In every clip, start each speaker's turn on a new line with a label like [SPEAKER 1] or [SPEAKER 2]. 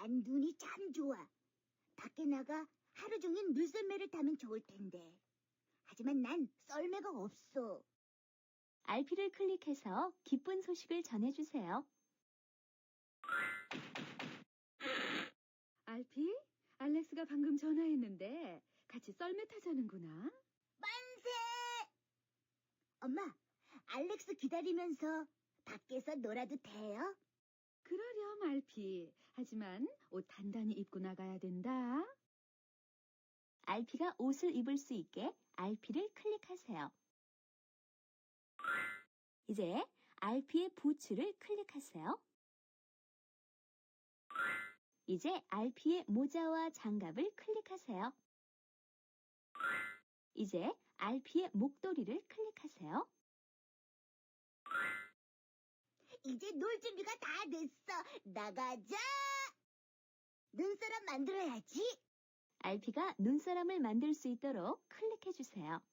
[SPEAKER 1] 난 눈이 참 좋아. 밖에 나가 하루 종일 물썰매를 타면 좋을 텐데. 하지만 난 썰매가 없어.
[SPEAKER 2] RP를 클릭해서 기쁜 소식을 전해주세요.
[SPEAKER 3] 알피? 알렉스가 방금 전화했는데 같이 썰매 타자는구나.
[SPEAKER 1] 만세! 엄마, 알렉스 기다리면서 밖에서 놀아도 돼요?
[SPEAKER 3] 그러렴, 알피. 하지만 옷 단단히 입고 나가야 된다.
[SPEAKER 2] RP가 옷을 입을 수 있게 RP를 클릭하세요. 이제 RP의 부츠를 클릭하세요. 이제 RP의 모자와 장갑을 클릭하세요. 이제 RP의 목도리를 클릭하세요.
[SPEAKER 1] 이제 놀 준비가 다 됐어. 나가자! 눈사람 만들어야지.
[SPEAKER 2] RP가 눈사람을 만들 수 있도록 클릭해주세요.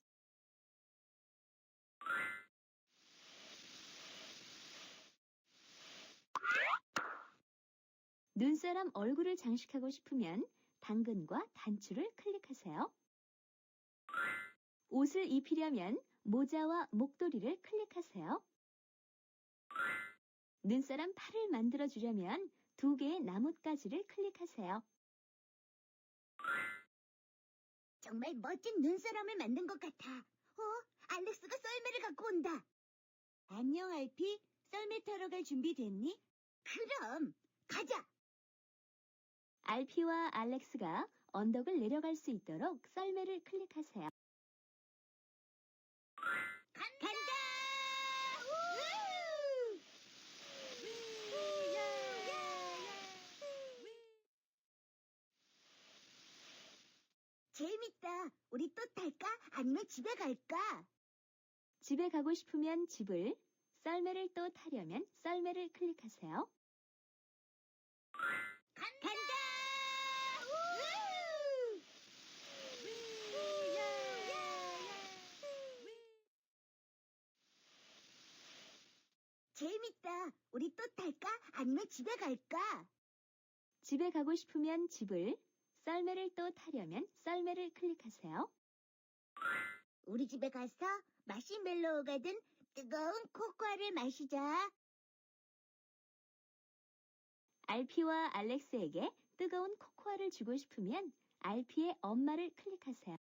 [SPEAKER 2] 눈사람 얼굴을 장식하고 싶으면 당근과 단추를 클릭하세요. 옷을 입히려면 모자와 목도리를 클릭하세요. 눈사람 팔을 만들어주려면 2개의 나뭇가지를 클릭하세요.
[SPEAKER 1] 정말 멋진 눈사람을 만든 것 같아. 알렉스가 썰매를 갖고 온다. 안녕, 알피. 썰매 타러 갈 준비 됐니? 그럼, 가자!
[SPEAKER 2] RP와 알렉스가 언덕을 내려갈 수 있도록 썰매를 클릭하세요.
[SPEAKER 1] 간다! 재밌다. 우리 또 탈까? 아니면 집에 갈까?
[SPEAKER 2] 집에 가고 싶으면 집을, 썰매를 또 타려면 썰매를 클릭하세요.
[SPEAKER 1] 간다! 재밌다. 우리 또 탈까? 아니면 집에 갈까?
[SPEAKER 2] 집에 가고 싶으면 집을, 썰매를 또 타려면 썰매를 클릭하세요.
[SPEAKER 1] 우리 집에 가서 마시멜로우가 든 뜨거운 코코아를 마시자.
[SPEAKER 2] RP와 알렉스에게 뜨거운 코코아를 주고 싶으면 RP의 엄마를 클릭하세요.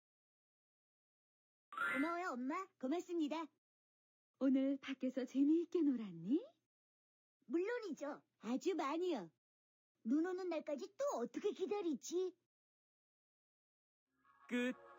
[SPEAKER 1] 고마워요, 엄마. 고맙습니다.
[SPEAKER 3] 오늘 밖에서 재미있게 놀았니?
[SPEAKER 1] 물론이죠. 아주 많이요. 눈 오는 날까지 또 어떻게 기다리지?
[SPEAKER 4] 끝.